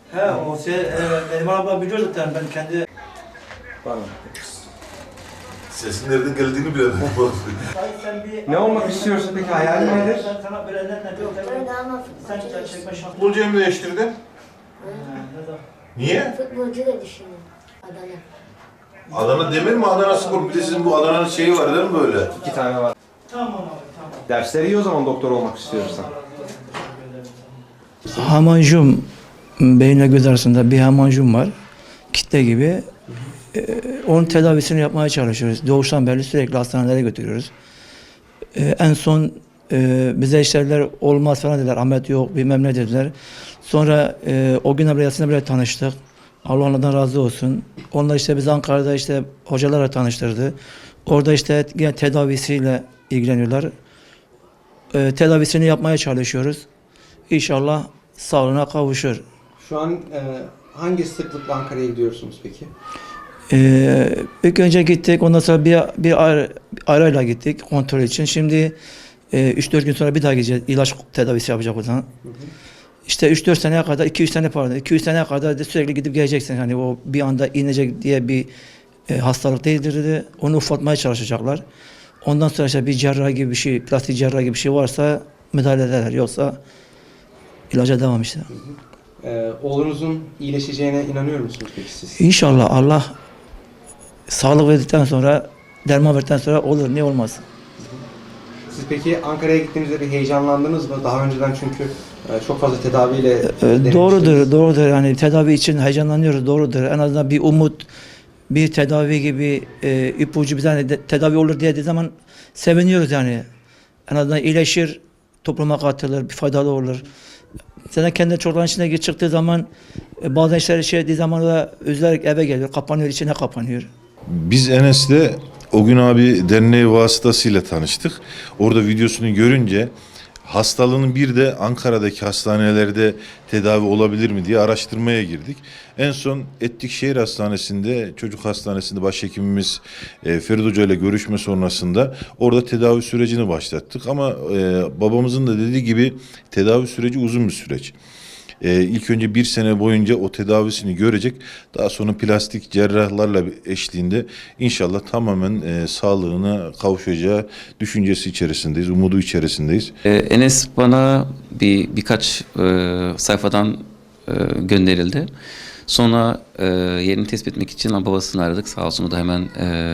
He o şey Neriman abla biliyor zaten ben kendi... Pardon. Sesin nereden geldiğini bile bilmiyorum. Ne olmak istiyorsun peki? Hayalin nedir? Sana böyle sen çekme şansı. Futbolcuyu mu değiştirdin? Niye? Futbolcu da düşünüyorum. Adana. Adana Demir mi? Adana Spor. Bir de sizin bu Adana'nın şeyi var değil mi böyle? 2 tane var. Tamam abi tamam. Dersleri iyi o zaman doktor olmak istiyorsan. Hamancum, beyinle göz arasında bir hamancum var. Kitle gibi. Onun tedavisini yapmaya çalışıyoruz. Doğuştan beri sürekli hastanelere götürüyoruz. En son bize işlerler olmaz falan dediler. Ahmet yok bilmem ne dediler. Sonra o gün ameliyatında bile tanıştık. Allah onlardan razı olsun. Onlar işte biz Ankara'da işte hocalarla tanıştırdı. Orada işte yine tedavisiyle ilgileniyorlar. Tedavisini yapmaya çalışıyoruz. İnşallah sağlığına kavuşur. Şu an hangi sıklıkla Ankara'ya gidiyorsunuz peki? İlk önce gittik. Ondan sonra bir arayla gittik kontrol için. Şimdi 3-4 gün sonra bir daha gideceğiz. İlaç tedavisi yapacak o zaman. İşte 3-4 seneye kadar, 200 sene pardon, 200 seneye kadar da sürekli gidip geleceksin. Hani o bir anda inecek diye bir hastalık değildir dedi. Onu ufaltmaya çalışacaklar. Ondan sonra işte bir cerrahi gibi bir şey, plastik cerrahi gibi bir şey varsa müdahale ederler. Yoksa ilaca devam işte. Oğlunuzun iyileşeceğine inanıyor musunuz peki siz? İnşallah Allah sağlık verdikten sonra, derman verdikten sonra olur. Niye olmaz? Siz peki Ankara'ya gittiğinizde bir heyecanlandınız mı? Daha önceden çünkü çok fazla tedaviyle Doğrudur, doğrudur. Yani tedavi için heyecanlanıyoruz, doğrudur. En azından bir umut, bir tedavi gibi ipucu bize hani tedavi olur diye dediği zaman seviniyoruz yani. En azından iyileşir, topluma katılır, bir faydalı olur. Sen kendi çocukların içine çıktığı zaman bazen işler şey dediği zaman da üzülerek eve geliyor, kapanıyor, içine kapanıyor. Biz Enes'le o gün abi derneği vasıtasıyla tanıştık. Orada videosunu görünce hastalığının bir de Ankara'daki hastanelerde tedavi olabilir mi diye araştırmaya girdik. En son Etlikşehir Hastanesi'nde, çocuk hastanesinde başhekimimiz Ferit Hoca ile görüşme sonrasında orada tedavi sürecini başlattık. Ama babamızın da dediği gibi tedavi süreci uzun bir süreç. İlk önce 1 sene boyunca o tedavisini görecek. Daha sonra plastik cerrahlarla eşliğinde inşallah tamamen sağlığına kavuşacağı düşüncesi içerisindeyiz, umudu içerisindeyiz. Enes bana birkaç sayfadan gönderildi. Sonra yerini tespit etmek için babasını aradık. Sağ olsun o da hemen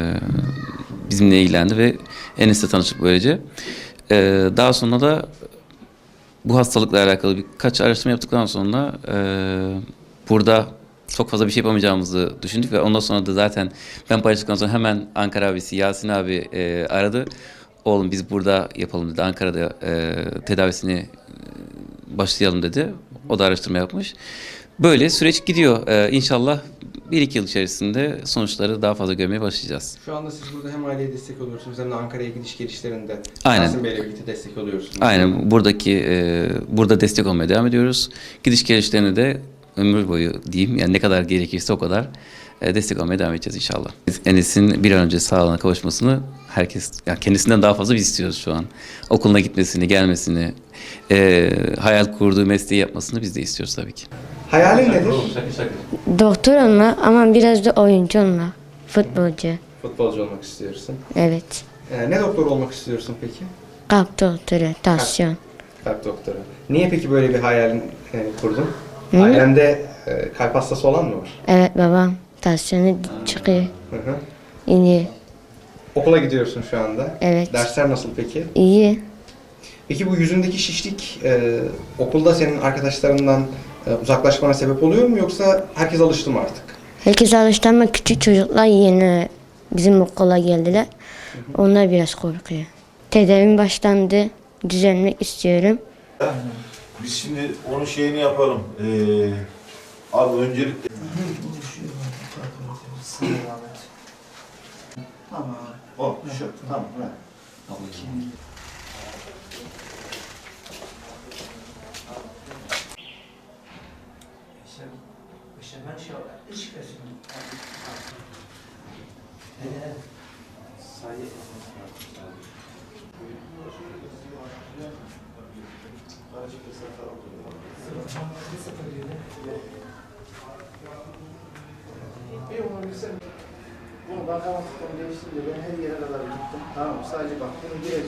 bizimle ilgilendi ve Enes'le tanıştık böylece. Daha sonra da bu hastalıkla alakalı birkaç araştırma yaptıktan sonra burada çok fazla bir şey yapamayacağımızı düşündük ve ondan sonra da zaten ben paylaştıktan sonra hemen Ankara abisi Yasin abi aradı. Oğlum biz burada yapalım dedi. Ankara'da tedavisini başlayalım dedi. O da araştırma yapmış. Böyle süreç gidiyor. İnşallah 1-2 yıl içerisinde sonuçları daha fazla görmeye başlayacağız. Şu anda siz burada hem aileye destek oluyorsunuz hem de Ankara'ya gidiş gelişlerinde Aynen. Yasin Bey'le birlikte destek oluyorsunuz. Aynen. Burada destek olmaya devam ediyoruz. Gidiş gelişlerine de ömür boyu diyeyim. Yani ne kadar gerekirse o kadar destek olmaya devam edeceğiz inşallah. Enes'in bir an önce sağlığına kavuşmasını herkes, yani kendisinden daha fazla biz istiyoruz şu an. Okuluna gitmesini, gelmesini, hayal kurduğu mesleği yapmasını biz de istiyoruz tabii ki. Hayalin nedir? Doktor olma ama biraz da oyuncu olma. Futbolcu. Futbolcu olmak istiyorsun. Evet. Ne doktor olmak istiyorsun peki? Kalp doktoru, tansiyon. Kalp doktoru. Niye peki böyle bir hayalin kurdun? Ailende kalp hastası olan mı var? Evet babam tansiyonu çıkıyor. Hı hı. İyi. Okula gidiyorsun şu anda. Evet. Dersler nasıl peki? İyi. Peki bu yüzündeki şişlik okulda senin arkadaşlarından uzaklaşmana sebep oluyor mu yoksa herkes alıştı mı artık? Herkes alıştı ama küçük çocuklar yeni bizim okula geldiler. Onlar biraz korkuyor. Tedavim başlandı. Düzelmek istiyorum. Biz şimdi onun şeyini yapalım. Abi öncelikle... Tamam. O, şu, tamam. İşte ben şey olarak ilişkileşim. Bunu bakan tutum değiştirince ben her yere kadar gittim. Tamam mı? Sadece bak bunu gireceğim.